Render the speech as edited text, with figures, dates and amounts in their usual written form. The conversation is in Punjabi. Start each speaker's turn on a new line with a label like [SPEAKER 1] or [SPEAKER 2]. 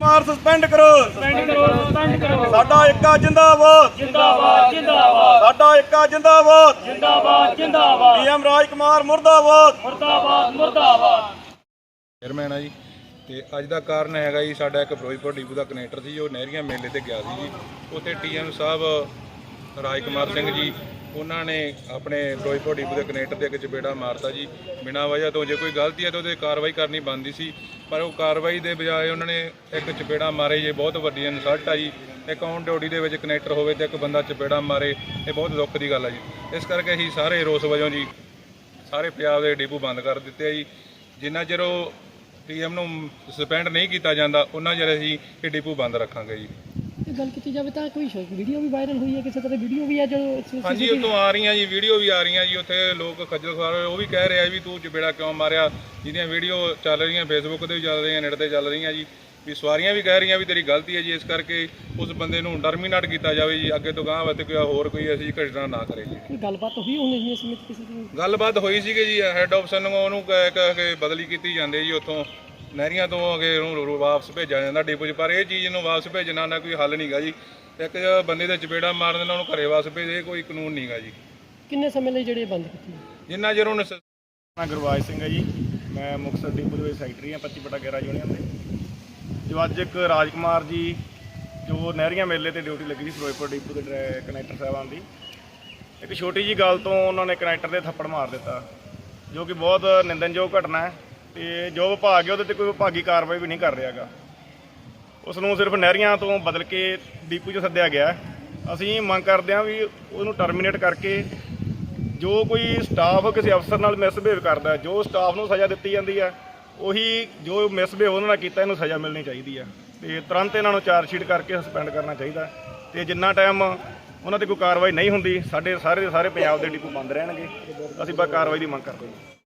[SPEAKER 1] ਮਾਰ ਸਸਪੈਂਡ ਕਰੋ ਸਾਡਾ ਏਕਾ ਜਿੰਦਾਬਾਦ
[SPEAKER 2] ਜਿੰਦਾਬਾਦ ਜਿੰਦਾਬਾਦ
[SPEAKER 1] ਸਾਡਾ ਏਕਾ ਜਿੰਦਾਬਾਦ
[SPEAKER 2] ਜਿੰਦਾਬਾਦ ਜਿੰਦਾਬਾਦ
[SPEAKER 1] ਪੀਐਮ ਰਾਜ ਕੁਮਾਰ ਮੁਰਦਾਬਾਦ
[SPEAKER 2] ਮੁਰਦਾਬਾਦ ਮੁਰਦਾਬਾਦ।
[SPEAKER 3] ਚੇਅਰਮੈਨ ਆ ਜੀ ਤੇ ਅੱਜ ਦਾ ਕਾਰਨ ਹੈਗਾ ਜੀ ਸਾਡਾ ਇੱਕ ਫਿਰੋਜ਼ਪੁਰ ਡਿਪੂ ਦਾ ਕਨੈਕਟਰ ਸੀ ਜੋ ਨਹਿਰੀਆਂ ਮੇਲੇ ਤੇ ਗਿਆ ਸੀ ਜੀ। ਉੱਥੇ ਟੀਐਮ ਸਾਹਿਬ ਰਾਜ ਕੁਮਾਰ ਸਿੰਘ ਜੀ ਉਹਨਾਂ ਨੇ ਆਪਣੇ ਫਿਰੋਜ਼ਪੁਰ ਡਿਪੂ ਦੇ ਕਨੈਕਟਰ ਦੇ ਇੱਕ ਚਪੇੜਾ ਮਾਰਤਾ ਜੀ ਬਿਨਾਂ ਵਜ੍ਹਾ ਤੋਂ। ਜੇ ਕੋਈ ਗਲਤੀ ਹੈ ਤਾਂ ਉਹਦੇ ਕਾਰਵਾਈ ਕਰਨੀ ਬਣਦੀ ਸੀ, ਪਰ ਉਹ ਕਾਰਵਾਈ ਦੇ ਬਜਾਏ ਉਹਨਾਂ ਨੇ ਇੱਕ ਚਪੇੜਾ ਮਾਰੇ। ਇਹ ਬਹੁਤ ਵੱਡੀ ਇਨਸਲਟ ਆ ਜੀ। ਇੱਕ ਔਨ ਡਿਊਟੀ ਦੇ ਵਿੱਚ ਕਨੈਕਟਰ ਹੋਵੇ ਤੇ ਇੱਕ ਬੰਦਾ ਚਪੇੜਾ ਮਾਰੇ, ਇਹ ਬਹੁਤ ਦੁੱਖ ਦੀ ਗੱਲ ਆ ਜੀ। ਇਸ ਕਰਕੇ ਅਸੀਂ ਸਾਰੇ ਰੋਸ ਵਜੋਂ ਜੀ ਸਾਰੇ ਪੰਜਾਬ ਦੇ ਡਿਪੂ ਬੰਦ ਕਰ ਦਿੱਤੇ ਆ ਜੀ। ਜਿੰਨਾ ਚਿਰ ਉਹ ਟੀਐਮ ਨੂੰ ਸਸਪੈਂਡ ਨਹੀਂ ਕੀਤਾ ਜਾਂਦਾ ਉਹਨਾਂ ਚਿਰ ਅਸੀਂ ਇਹ ਡਿਪੂ ਬੰਦ ਰੱਖਾਂਗੇ ਜੀ।
[SPEAKER 4] ਗੱਲ ਕੀਤੀ ਜਾਵੇ ਤਾਂ ਕੋਈ ਵੀਡੀਓ ਵੀ ਵਾਇਰਲ ਹੋਈ ਹੈ, ਕਿਸੇ ਤਰ੍ਹਾਂ ਵੀਡੀਓ ਵੀ ਹੈ ਜੋ
[SPEAKER 3] ਹਾਂਜੀ ਉੱਥੋਂ ਆ ਰਹੀਆਂ ਜੀ, ਵੀਡੀਓ ਵੀ ਆ ਰਹੀਆਂ ਜੀ। ਉੱਥੇ ਲੋਕ ਖੱਜਲ ਖੁਆਰ ਹੋਏ, ਉਹ ਵੀ ਕਹਿ ਰਿਹਾ ਵੀ ਤੂੰ ਚਪੇੜਾ ਕਿਉਂ ਮਾਰਿਆ, ਜਿਹਦੀਆਂ ਵੀਡੀਓ ਚੱਲ ਰਹੀਆਂ ਫੇਸਬੁੱਕ ਤੇ ਵੀ ਚੱਲ ਰਹੀਆਂ, ਨੈੱਟ ਤੇ ਚੱਲ ਰਹੀਆਂ ਜੀ। ਵੀ ਸਵਾਰੀਆਂ ਵੀ ਕਹਿ ਰਹੀਆਂ ਵੀ ਤੇਰੀ ਗਲਤੀ ਹੈ ਜੀ। ਇਸ ਕਰਕੇ ਉਸ ਬੰਦੇ ਨੂੰ ਟਰਮੀਨੇਟ ਕੀਤਾ ਜਾਵੇ ਜੀ। ਅੱਗੇ ਤੋਂ ਗਾਂਹ ਵਾਸਤੇ ਕੋਈ ਹੋਰ ਕੋਈ ਅਸੀਂ ਘਟਨਾ ਨਾ ਕਰੇ ਜੀ।
[SPEAKER 4] ਕੋਈ ਗੱਲਬਾਤ ਹੋਈ ਹੋਣੀ ਜੀ ਇਸ ਵਿੱਚ ਕਿਸੇ ਦੀ?
[SPEAKER 3] ਗੱਲਬਾਤ ਹੋਈ ਸੀਗੀ ਜੀ, ਹੈੱਡ ਆਫਿਸਰ ਨੂੰ ਉਹਨੂੰ ਕਹਿ ਕੇ ਬਦਲੀ ਕੀਤੀ ਜਾਂਦੀ ਜੀ। ਉੱਥੋਂ ਨਹਿਰੀਆਂ ਤੋਂ ਅੱਗੇ ਉਹਨੂੰ ਵਾਪਸ ਭੇਜਿਆ ਜਾਂਦਾ ਡਿਪੂ 'ਚ, ਪਰ ਇਹ ਚੀਜ਼ ਨੂੰ ਵਾਪਸ ਭੇਜਣਾ ਨਾ ਕੋਈ ਹੱਲ ਨਹੀਂਗਾ ਜੀ। ਇੱਕ ਬੰਦੇ ਦੇ ਚਪੇੜਾ ਮਾਰਨ ਦੇ ਨਾਲ ਉਹਨੂੰ ਘਰੇ ਵਾਪਸ ਭੇਜੇ, ਕੋਈ ਕਾਨੂੰਨ ਨਹੀਂਗਾ ਜੀ।
[SPEAKER 4] ਕਿੰਨੇ ਸਮੇਂ ਲਈ ਜਿਹੜੇ ਬੰਦ ਕੀਤੀ?
[SPEAKER 3] ਜਿੰਨਾ ਚਿਰ ਉਹਨੇ
[SPEAKER 1] ਮੈਂ ਗੁਰਵਾਜ ਸਿੰਘ ਹੈ ਜੀ। ਮੈਂ ਮੁਕਤਸਰ ਡਿਪੂ ਦੇ ਵਿੱਚ ਸੈਕਟਰੀ ਹਾਂ 25/11 ਯੂਨੀਅਨ ਦੇ। ਜੋ ਅੱਜ ਇੱਕ ਰਾਜ ਕੁਮਾਰ ਜੀ ਜੋ ਨਹਿਰੀਆਂ ਮੇਲੇ ਤੇ ਡਿਊਟੀ ਲੱਗੀ ਸੀ ਫਿਰੋਜ਼ਪੁਰ ਡਿਪੂ ਦੇ ਕਨੈਕਟਰ ਸਾਹਿਬਾਨ ਦੀ, ਇੱਕ ਛੋਟੀ ਜੀ ਗੱਲ ਤੋਂ ਉਹਨਾਂ ਨੇ ਕਨੈਕਟਰ ਦੇ ਥੱਪੜ ਮਾਰ ਦਿੱਤਾ, ਜੋ ਕਿ ਬਹੁਤ ਨਿੰਦਣਯੋਗ ਘਟਨਾ ਹੈ। ਤੇ ਜੋ ਵਿਭਾਗ ਹੈ ਉਹਦੇ ਤੇ ਕੋਈ ਵਿਭਾਗੀ ਕਾਰਵਾਈ ਵੀ ਨਹੀਂ ਕਰ ਰਿਹਾ ਗਾ। ਉਸ ਨੂੰ ਸਿਰਫ ਨਹਿਰੀਆਂ ਤੋਂ ਬਦਲ ਕੇ ਡਿਪੂ 'ਚ ਸੱਦਿਆ ਗਿਆ। ਅਸੀਂ ਮੰਗ ਕਰਦੇ ਹਾਂ ਵੀ ਉਹਨੂੰ ਟਰਮੀਨੇਟ ਕਰਕੇ ਜੋ ਕੋਈ ਸਟਾਫ ਕਿਸੇ ਅਫਸਰ ਨਾਲ ਮਿਸਬਿਹੇਵ ਕਰਦਾ, ਜੋ ਸਟਾਫ ਨੂੰ ਸਜ਼ਾ ਦਿੱਤੀ ਜਾਂਦੀ ਹੈ ਉਹੀ ਜੋ ਮਿਸਬਿਹੇਵ ਉਹਨਾਂ ਨਾਲ ਕੀਤਾ ਇਹਨੂੰ ਸਜ਼ਾ ਮਿਲਣੀ ਚਾਹੀਦੀ ਹੈ। ਤੇ ਤੁਰੰਤ ਇਹਨਾਂ ਨੂੰ ਚਾਰਜ ਸ਼ੀਟ ਕਰਕੇ ਸਸਪੈਂਡ ਕਰਨਾ ਚਾਹੀਦਾ। ਤੇ ਜਿੰਨਾ ਟਾਈਮ ਉਹਨਾਂ ਤੇ ਕੋਈ ਕਾਰਵਾਈ ਨਹੀਂ ਹੁੰਦੀ ਸਾਡੇ ਸਾਰੇ ਪੰਜਾਬ ਦੇ ਡਿਪੂ ਬੰਦ ਰਹਿਣਗੇ। ਅਸੀਂ ਬਸ ਕਾਰਵਾਈ ਦੀ ਮੰਗ ਕਰਦੇ ਹਾਂ।